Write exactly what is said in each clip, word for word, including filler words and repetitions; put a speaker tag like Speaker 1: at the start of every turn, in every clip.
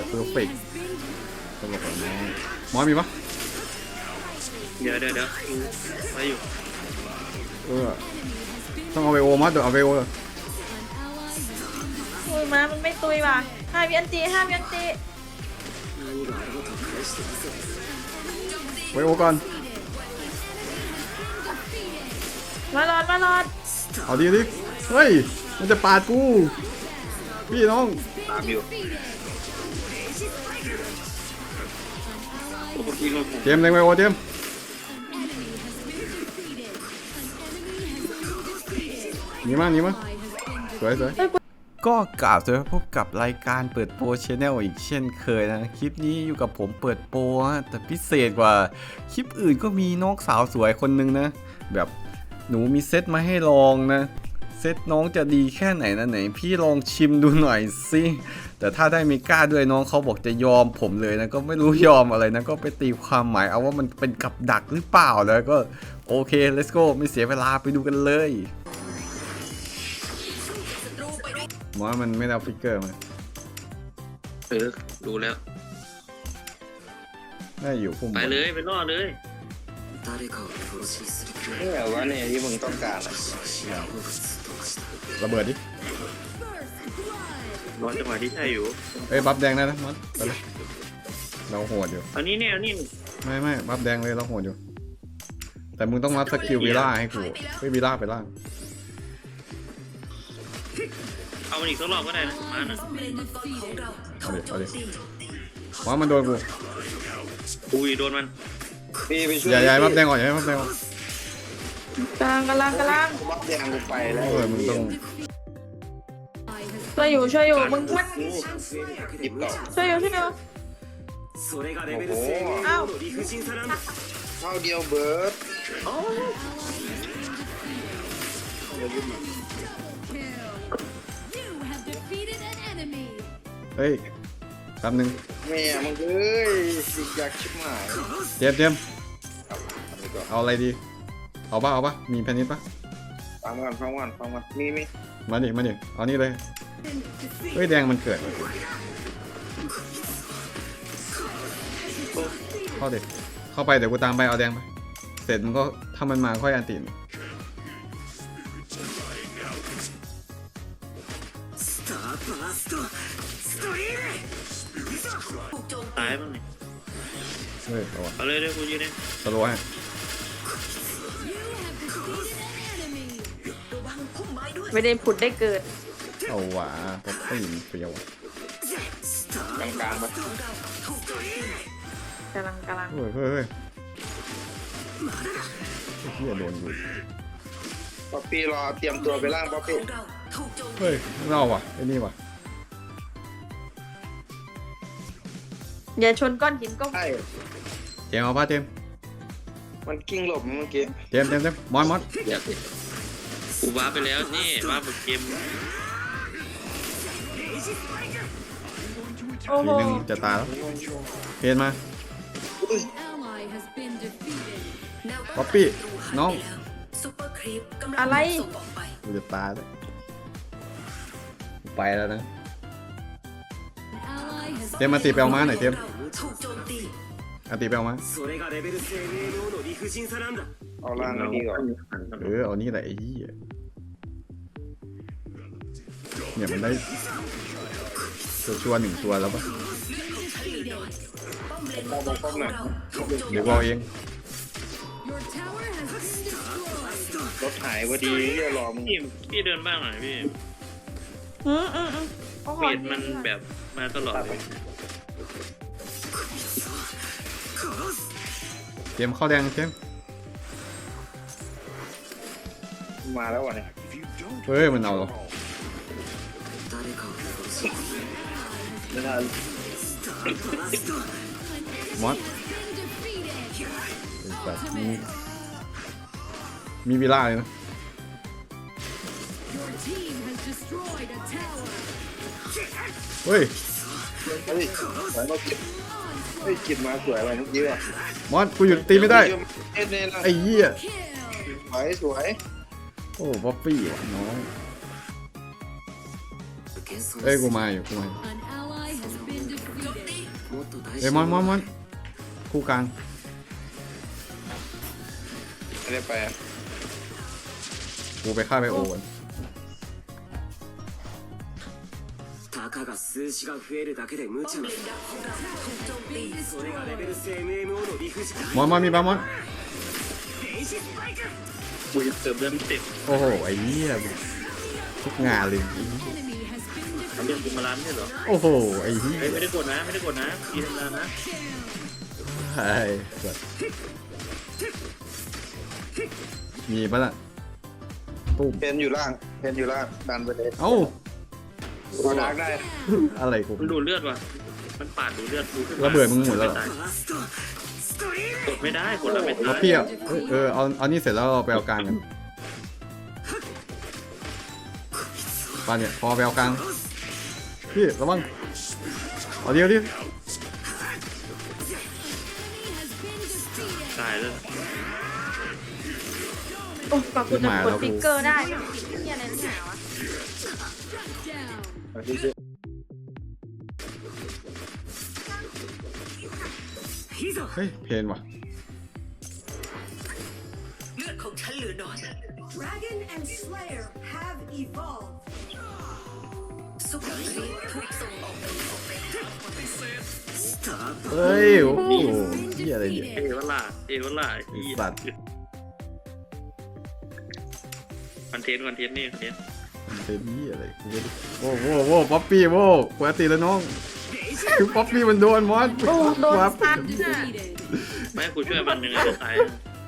Speaker 1: เพอร์เฟกต์ตลกกับน้องมอสมีปะ
Speaker 2: เดี๋ยวเดี๋ยวเดี๋ยวมาอยู่
Speaker 1: เออต้องเอาไปโอมอสเดี๋ยวเอาไปโอเลย
Speaker 3: ตุยมามันไม่ตุยว่ะห้าวิอันตีห้าวิอันตี
Speaker 1: ไปโอก่อน
Speaker 3: มาหลอดมาหลอด
Speaker 1: เอาดีดิเฮ้ยมันจะปาดกูพี่น้อง
Speaker 2: ตามอยู่
Speaker 1: เจมส์เล็งไปโอเจมส์หนีมาหนีมาสวยสวยก็กล่าวจะพบกับรายการเปิดโปรชแนลอีกเช่นเคยนะคลิปนี้อยู่กับผมเปิดโปรแต่พิเศษกว่าคลิปอื่นก็มีน้องสาวสวยคนนึงนะแบบหนูมีเซตมาให้ลองนะเซตน้องจะดีแค่ไหนนะไหนพี่ลองชิมดูหน่อยสิแต่ถ้าได้มีก้าด้วยน้องเขาบอกจะยอมผมเลยนะก็ไม่รู้ยอมอะไรนะก็ไปตีความหมายเอาว่ามันเป็นกับดักหรือเปล่าแล้วก็โอเค let's go ไม่เสียเวลาไปดูกันเลยหมอมันไม่เอาฟิกเกอร์มา
Speaker 2: เออดูแล้ว
Speaker 1: ได้อยู่พุ่ม
Speaker 2: ไปเลยไปรอดเลยนี่แหละว่าเนี่ยที่มึงต้องการ
Speaker 1: ระเบิดดิ
Speaker 2: รอจังหวะที่ใช่อยู่
Speaker 1: เอ้ยบัฟแดงได้นะมอสไปเลยเราโหดอยู่
Speaker 2: อันนี้เนี่ยนี่
Speaker 1: ไม่ไม่บัฟแดงเลยเราโหดอยู่แต่มึงต้องรับสกิลวิล่าให้กูเฮ้ยวิล่าไปล่าง
Speaker 2: เอามันอีกสักรอบก็ได้นะมานะ
Speaker 1: เอาดิเอาดิว่ามันโดนกู
Speaker 2: อุ้ยโดนมัน
Speaker 1: ใหญ่ใหญ่บัฟแดงก่อนใหญ่บัฟแดงก่อน
Speaker 3: กลางกลางกลาง
Speaker 2: บัฟแดงกูไปแล้ว
Speaker 1: เออมึงต้อง
Speaker 3: ช่วยอยู่ช่วยอยู่มึงมัน
Speaker 2: หยิบต่อ
Speaker 3: ช่วยอยู่ช่วยอยู่
Speaker 2: โอ้โห
Speaker 3: เอ้า
Speaker 2: เข้าเดียวเบิร์ด
Speaker 1: เฮ้ยแป๊บนึง
Speaker 2: แม่มึงเอ้ยสิอยากชิบหาย
Speaker 1: เจมเจมเอาอะไรดีเอาป่ะเอาป่ะมีแพนิสป่ะ
Speaker 2: ฟังก่อนฟังก่อนฟังก่อนมีมี
Speaker 1: มาดิมาดิเอานี่เลยเฮ้ยแดงมันเกิดเข้าดิเข้าไปเดี๋ยวกูตามไปเอาแดงไปเสร็จมันก็ถ้ามันมาค่อยอันติ
Speaker 2: ตายบ้างนี่
Speaker 1: เฮ้ยเอา
Speaker 2: เอาเลยเดี๋ยวกูยืนเอง
Speaker 1: สโลว์ให้
Speaker 3: ไม่ได้ผุดได้เกิด
Speaker 1: เอาหวาก็ไม่ยินเปรี้ยว
Speaker 2: กลางกลางปะ
Speaker 3: กำลังกำลัง
Speaker 1: เฮ้ยเฮ้ยเฮ้ยเฮียโดนอยู่
Speaker 2: ป๊อปปี้รอเตรียมตัวไปล่างป๊อปปี้
Speaker 1: เฮ้ยเล่าว่ะไอ้นี่ว่ะ
Speaker 3: อย่าชนก้อนหินก็
Speaker 2: ใช่
Speaker 1: เจมเอาป่ะเจม
Speaker 2: มันกิ้งหลบเมื่อกี้
Speaker 1: เจมเจมเจมมอนมอน
Speaker 2: กูว้าไปแล้วนี่ว้าบนเกม
Speaker 1: ทีนึงจะตายแล้วเพนมาป๊อปปี้น้อง
Speaker 3: อะไร
Speaker 1: กูจะตายแล้วไปแล้วนะเจมมาตีไปเอามาหน่อยเจมอาตีไปเอามา
Speaker 2: เอาล่างนี่ก่อน
Speaker 1: เออเอานี่แหละไอ้ยี่เนี่ยมันได้ตัวชัวหนึ่งตัวแล้วปะเดี๋ยวเอาเอง
Speaker 2: รถหายพอดีเรียรอมึงพี่พี่เดินบ้างหน่อยพี่
Speaker 3: อืมอืมอืม
Speaker 2: เปลี่ยนมันแบบมาตลอด
Speaker 1: เตรียมเข้าแดงเตรียม
Speaker 2: มาแล้ววะเนี่ย
Speaker 1: เฮ้ยมันเอาหรอมอสมีมีวิลล่าเลยนะเฮ้ย
Speaker 2: เฮ้ยสวยมากเฮ้ยกินมาสวยอะไรเมื่อกี้อ่ะ
Speaker 1: มอสกูหยุดตีไม่ได้ไอ้เหี้ย
Speaker 2: สวยสวย
Speaker 1: โอ้ป๊อปปี้ว่ะน้องเอ้ยกูมาอยู่กูมาเอ้ยมอนมอนมอนคู่กลาง
Speaker 2: ไม่ได้ไปอะ
Speaker 1: กูไปฆ่าไปโอกัน
Speaker 4: たかが数字が増えるだけで無茶なそれがレベル エムエムオー の理不尽
Speaker 1: มอนมอนมีปะมอน
Speaker 2: กูจะเติมเรื่องเต็ม
Speaker 1: โอ้โหไอ้เหี้ยทุกงานเลย
Speaker 2: ทำเรื่องกูมาล้านไม่ใช่เหรอ
Speaker 1: โอ้โหไอ้เหี้ย
Speaker 2: เฮ้ยไม่ได้กดนะไม่ได้กดนะพี่ทำงานนะ
Speaker 1: ไอ้สัสมีปะล่ะตุ้ม
Speaker 2: เพนอยู่ล่างเพนอยู่ล่างดันไปเลย
Speaker 1: เอ้า
Speaker 2: พอดักได้
Speaker 1: อะไรกู
Speaker 5: มันดูดเลือดว่ะ มันปาดดูดเลือดกูขึ้นมา
Speaker 1: ระเบิดมึงหมดแล้วเหรอ
Speaker 5: กดไม่ได้กดแล้วไม่
Speaker 1: เรา
Speaker 5: ตาย
Speaker 1: เปรี้ยวเอ้ยเออเอาเอานี่เสร็จแล้วเราไปเอากลางกันปาเนี่ยพอไปเอากลางพี่ระวังเอาเดียวดิ
Speaker 5: ตายแล้ว
Speaker 3: โอ้ปากกูจะกดฟิกเกอร์ได้เฮียอะไรนักหนาวะ
Speaker 1: เฮ้ยเพนว่ะ
Speaker 3: เลือดของฉันเหลือน้อย
Speaker 6: Dragon and Slayer have evolved.
Speaker 3: ซุปเปอร์ครีปถูกส่งออกไปออกไป
Speaker 1: เฮ้ยโอ้โหเหี้ยอะไรเนี่ย
Speaker 5: เอวล่าเอวล่า
Speaker 1: ไอ้สัตว์
Speaker 5: คอนเทนต์คอนเทนต์นี่คอนเทนต์
Speaker 1: มันเป็นเหี้ยอะไรกูไม่รู้โว้โว้โว้ป๊อปปี้โว้ปกติแล้วน้องคือป๊อปปี้มันโดนมอส
Speaker 3: โอ้โดน
Speaker 1: วับ
Speaker 3: ซัดน่ะ
Speaker 5: ไม่ให้กูช่วยมันยังไงก็ตาย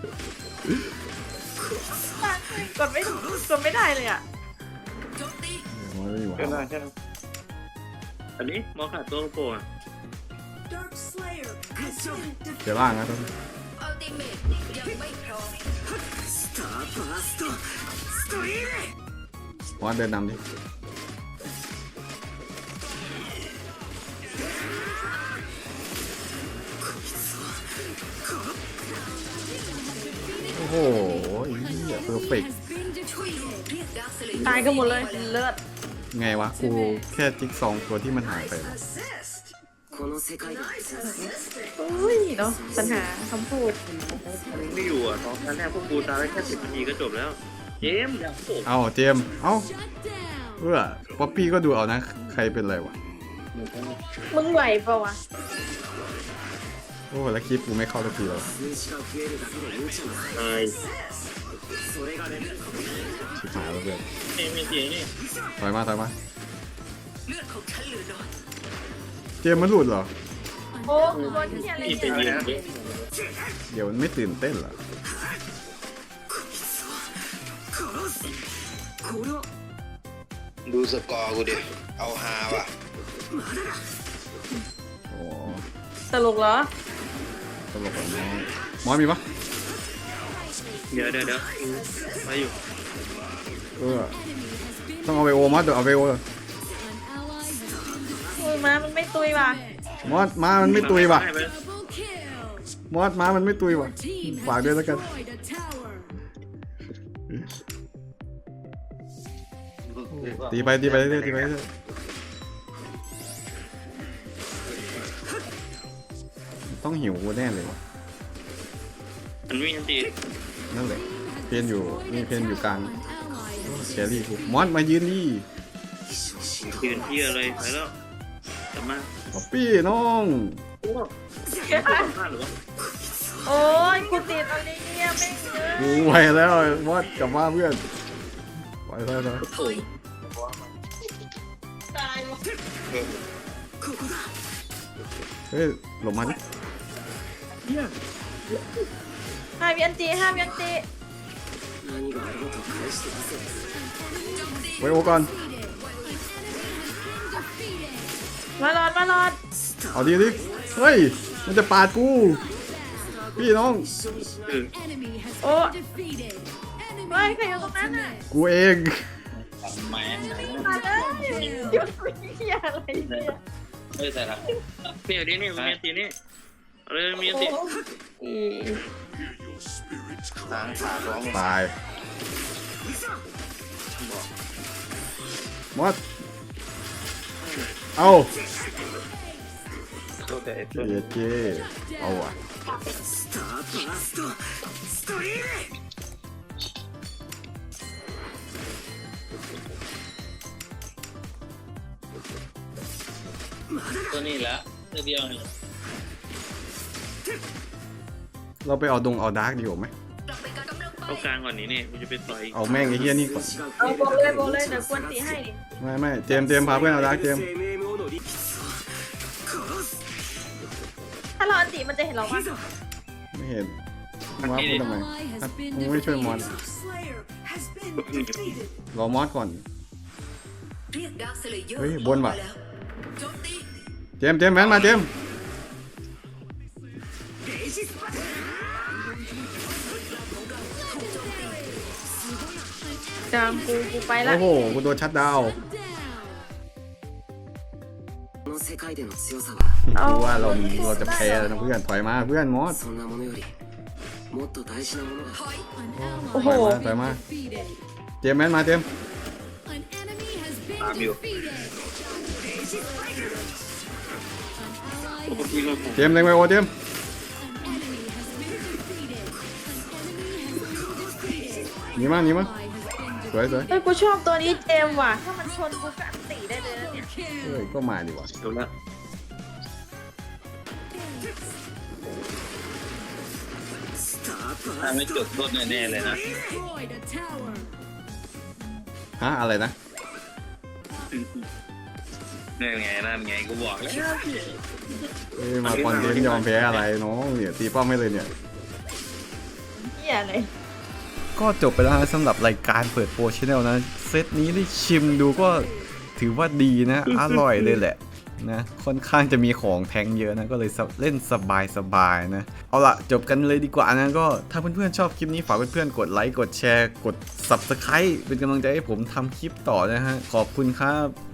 Speaker 3: กดไม่กดไม่ได้เลยอ่ะ
Speaker 1: มอสไม่อยู่
Speaker 2: ใช่ไหม
Speaker 1: วะ
Speaker 2: ใช่ไหม
Speaker 5: อันนี้มอขาดตัวโปรอ่ะ
Speaker 6: Dark Slayer has been
Speaker 1: เดี๋ยวล่างนะต้อง
Speaker 3: อัลติเมทยังไม่พร้อม
Speaker 4: スターバーストストリーム
Speaker 1: มอสเดินนำดิโอ้โหไอ้เหี้ยเพอร์เฟกต์
Speaker 3: ตายกันหมดเลยเลือด
Speaker 1: ไงวะกูแค่จิ๊กซองตัวที่มันหายไปวะ
Speaker 6: assist.
Speaker 4: この世界で
Speaker 3: อุ้ยเนาะปัญหาคำพูด
Speaker 5: มันไม่อยู่อ่ะตอนนั้นแรกพวกกูตายได้แค่สิบนาทีก็จบแล้ว เจมส์อย่างโผล่
Speaker 1: เอาเจมส์เอ้าเออป๊อปปี้ก็ดูเอานะใครเป็นไรวะ
Speaker 3: มึงไหวเปล่าวะ
Speaker 1: โอ้แล้วคลิปกูไม่เข้าสักทีแล้ว
Speaker 4: 数字が増えるだけで無茶な
Speaker 5: ตาย
Speaker 4: それがレベル
Speaker 1: ชิบหายแล้วเพื่อน
Speaker 5: นี่มีเสียงนี่
Speaker 1: ถอยมาถอยมา
Speaker 3: เลือดของฉันเหลือน้อย
Speaker 1: เจมส์มันหลุดเหรอ
Speaker 3: โอ้โดนที่อะไร
Speaker 5: นี่เป็น
Speaker 3: เนี่ย
Speaker 5: ยิงเยอะ
Speaker 1: เดี๋ยวมันไม่ตื่นเต้นเหรอ
Speaker 4: これは
Speaker 2: ดูสกอร์กูดิเอาฮาว่ะ
Speaker 1: โอ้
Speaker 3: ตลกเหรอ
Speaker 1: ตลกกว่าน้องมอสมีปะ
Speaker 5: เดี๋ยวเดี๋ยวเดี๋ยวไปอยู่
Speaker 1: เออต้องเอาไปโอมอสเดี๋ยวเอาไปโอ
Speaker 3: โอ้ยมามันไม่ตุยว่ะ
Speaker 1: มอสมามันไม่ตุยว่ะ
Speaker 5: ให้ไป
Speaker 1: มอสมามันไม่ตุยว่ะฝากด้วยแล้วกันตีไปตีไปเรื่อยๆตีไปเรื่อยๆต้องหิวกูแน่เลยว่ะ
Speaker 5: มันมีอันตี
Speaker 1: นั่นแหละเพนอยู่นี่เพนอยู่กลางแครี่กูมอสมายืนนี่
Speaker 5: ยืนที่อะไรไปแล้วกลับมา
Speaker 1: ป๊อปปี้น้อง
Speaker 5: โอ้สัมภาษณ์หรือวะ
Speaker 3: โอ้ยกูติดอะไรเนี่ยแม่งเยอะ
Speaker 1: กูไปแล้วมอสกลับมาเพื่อนไปแล้วนะ
Speaker 5: โอ้ย
Speaker 3: ตายว่ะ
Speaker 1: เฮ้ยหลบมาดิ
Speaker 3: ห้ามยันตีห้ามยันตี
Speaker 4: 何があろうと返してみせる
Speaker 1: ไว้โอก่อน
Speaker 3: มาหลอดมาหลอด
Speaker 1: เอาดีดิเฮ้ยมันจะปาดกูพี่น้อง
Speaker 5: เออ
Speaker 3: โอ้เฮ้ยใครอยู่ตรงนั้นน่ะ
Speaker 1: กูเอง
Speaker 5: แหม
Speaker 3: มาเลยหยุดเฮียอะไรเนี่ย
Speaker 5: ไม่ใส่ละนี่เอาดินี่มีอันตีนี่เอาเลยมีอันตี
Speaker 3: อี
Speaker 2: หางขาดร้อง
Speaker 1: ตายมอสเอา
Speaker 5: โทษแต่ไอ้ต้น
Speaker 1: เอเจเอาอ่ะ
Speaker 4: スターバーストストリーム
Speaker 5: ตัวนี้ละตัวเดียวนี่
Speaker 1: เราไปเอาดงเอาดาร์กดีกว่าไหม
Speaker 3: กลับไปการกำลังไป
Speaker 5: เอากลางก่อนนี้นี่กูจะไปต่อย
Speaker 1: เอาแม่งไอ้เหี้ยนี่ก่อน
Speaker 7: เอาโบกเลยโบกเลยเดี๋ยวกวนตีให้ดิ
Speaker 1: ไม่ไม่เจมส์เจมส์พาเพื่อนเอาดาร์กเจมส์
Speaker 4: エムエムオ のリ殺す
Speaker 7: ถ้าเราอันตีมันจะเห็นเราปะ
Speaker 1: ไม่เห็นมอสพูดทำไมอ่ะมึงไม่ช่วยมอส
Speaker 6: Slayer has been defeated.
Speaker 1: รอมอสก่อน
Speaker 3: เรียกดาร์คสเลเยอร์
Speaker 1: เฮ้ยบนว่ะ
Speaker 3: แล้วโจมตี
Speaker 1: เจมส์เจมส์แมนมาเจมส์
Speaker 7: กลางกูกูไปละ
Speaker 1: โอ้โหกูโดนชัดดาวน์
Speaker 4: この世界での強さは
Speaker 1: กูว่าเราเราจะแพ้แล้วนะเพื่อนถอยมาเพื่อนมอส
Speaker 4: そんなものよりもっと大事なものが
Speaker 7: โอ้โห
Speaker 1: ถอยมาถอยมาเจมส์แมนมาเจมส์
Speaker 5: ตามอยู่ปกติเราผม
Speaker 1: เจมส์เล็งไปโอเจมส์หนีมาหนีมาสวยสวย
Speaker 7: เฮ้ยกูชอบตัวนี้เจมส์ว่ะถ้ามันชนกูก็อันตีได้เลยนะเนี่ย
Speaker 1: เฮ้ยก็มาดีกว่า
Speaker 5: เดี๋ยวละ
Speaker 4: スターバ
Speaker 5: ถ้า
Speaker 4: ー
Speaker 5: ไม่จบโทษแน่ๆเลยนะ
Speaker 1: ฮะอะไรนะ
Speaker 5: นี่นไงนั่นไงกูบอกแล้ว
Speaker 1: เอ้ยมาคอนเทนต์ยอมแพ้อะไรน้องเนี่ยตีป้อมไม่เลยเนี่ย
Speaker 7: เหี้ยเลย
Speaker 1: ก็จบไปแล้วนะสำหรับรายการเปิดโปรชแนลนะเซตนี้ได้ชิมดูก็ถือว่าดีนะ อร่อยเลยแหละนะค่อนข้างจะมีของแทงเยอะนะก็เลยเล่นสบายๆนะเอาละจบกันเลยดีกว่านะก็ถ้าเพื่อนๆชอบคลิปนี้ฝากเพื่อนๆกดไลค์กดแชร์กด ซับสไครบ์ เป็นกำลังใจให้ผมทำคลิปต่อนะฮะขอบคุณครับ